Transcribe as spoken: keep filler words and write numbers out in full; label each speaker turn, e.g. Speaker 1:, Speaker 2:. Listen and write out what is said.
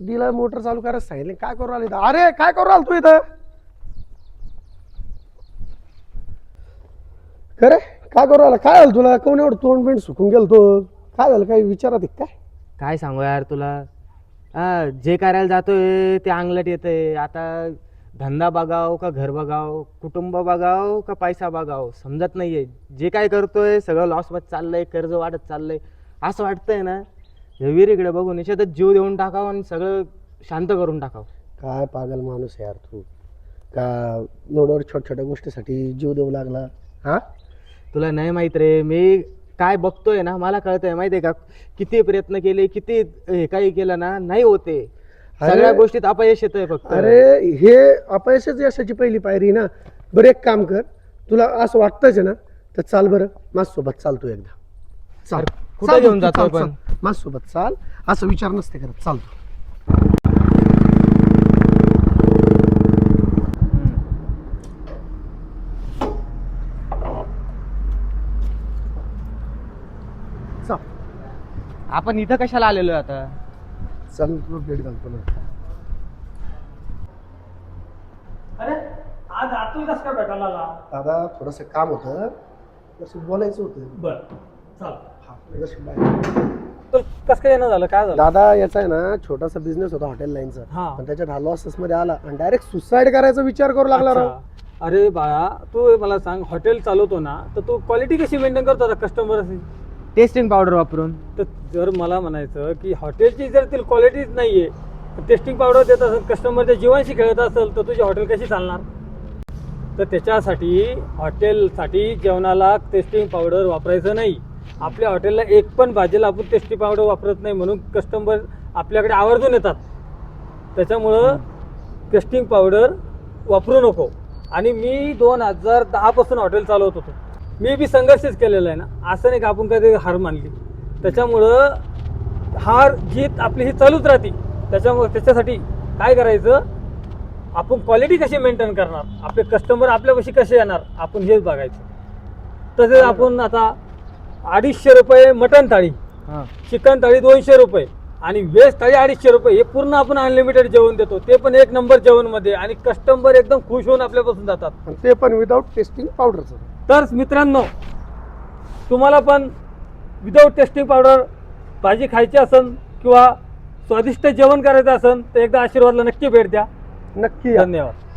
Speaker 1: दिला मोटर चालू करायला सांगितलं, काय करू राहिला इथं? अरे काय करू राहिला तू इथं? खरे काय करू राहिला? काय झालं तुला? कोण एवढं तोंड बिंड सुकून गेल तो? काय झालं? काही विचारात आहे काय?
Speaker 2: काय सांगू यार तुला. हा जे करायला जातोय ते अंगलट येतंय. आता धंदा बघाव का घर बघाव, कुटुंब बघाव का पैसा बघाव समजत नाहीये. जे काय करतोय सगळं लॉस मध्ये चाललंय, कर्ज वाढत चाललंय. असं वाटतंय ना हे विहिरीकडे बघून निश्चितच जीव देऊन टाकावं आणि सगळं शांत करून टाकावं.
Speaker 1: काय पागल माणूस आहे यार तू. का एवढ्या छोट्या छोट्या गोष्टीसाठी जीव देऊ लागला? हा
Speaker 2: तुला नाही माहित रे, मी काय बघतोय ना मला कळतंय माहितीये का. किती प्रयत्न केले, किती हे काही केलं ना नाही होते. सगळ्या गोष्टीत अपयश येतंय फक्त.
Speaker 1: अरे हे अपयशच यशाची पहिली पायरी ना. बरं एक काम कर, तुला असं वाटतंच आहे ना तर चाल बरं माझ्यासोबत, चाल तू एकदा चाल.
Speaker 2: कुठं घेऊन जातोय पण?
Speaker 1: माझ्यासोबत चाल, असं विचार नसते करत, चाल तू. चाल
Speaker 2: आपण इथं कशाला आलेलो आता?
Speaker 1: चल तुला भेट घालतो ना.
Speaker 3: अरे आज आतून कस काय भेटायला आला?
Speaker 1: दादा थोडंसं काम होतं, तसं बोलायचं होतं.
Speaker 3: बर चाल.
Speaker 1: हा, जसं बाहेर.
Speaker 3: तर कस काय येणं झालं? काय झालं?
Speaker 1: दादा याचा आहे ना छोटासा बिझनेस होता हॉटेल लाईनचा,
Speaker 3: हा.
Speaker 1: पण त्याच्यात हा लॉसेस मध्ये आला आणि डायरेक्ट सुसाईड करायचा विचार करू लागला राव.
Speaker 3: अच्छा. अरे बाळा तू मला सांग, हॉटेल चालवतो ना तर तू क्वालिटी कशी मेंटेन करतो आता कस्टमर?
Speaker 2: टेस्टिंग पावडर वापरून.
Speaker 3: तर जर मला म्हणायचं की हॉटेलची जर ती क्वालिटीच नाहीये, टेस्टिंग पावडर देत असेल, कस्टमरच्या जीवांशी खेळत असेल, तर तुझी हॉटेल कशी चालणार? तर त्याच्यासाठी हॉटेलसाठी जेवणाला टेस्टिंग पावडर वापरायचं नाही. आपल्या हॉटेलला एक पण भाजीला आपण टेस्टिंग पावडर वापरत नाही, म्हणून कस्टमर आपल्याकडे आवर्जून येतात. त्याच्यामुळं टेस्टिंग पावडर वापरू नको. आणि मी दोन हजार दहापासून हॉटेल चालवत होतो. मी बी संघर्षच केलेला आहे ना, असं नाही का आपण कधी हार मानली. त्याच्यामुळं हार जीत आपली ही चालूच राहते. त्याच्यामुळे त्याच्यासाठी काय करायचं, आपण क्वालिटी कशी मेंटेन करणार, आपले कस्टमर आपल्यापाशी कसे येणार, आपण हेच बघायचं. तसेच आपण आता अडीचशे रुपये मटन थाळी, चिकन थाळी दोनशे रुपये आणि व्हेज थाळी अडीचशे रुपये, हे पूर्ण आपण अनलिमिटेड जेवण देतो. ते पण एक नंबर जेवण मध्ये, आणि कस्टमर एकदम खुश होऊन आपल्यापासून जातात,
Speaker 1: आणि ते पण विदाऊट टेस्टिंग पावडरचं.
Speaker 3: तर मित्रांनो तुम्हाला पण विदाऊट टेस्टिंग पावडर भाजी खायची असेल किंवा स्वादिष्ट जेवण करायचं असेल तर एकदा आशीर्वादला नक्की भेट द्या.
Speaker 1: नक्की या.
Speaker 3: धन्यवाद.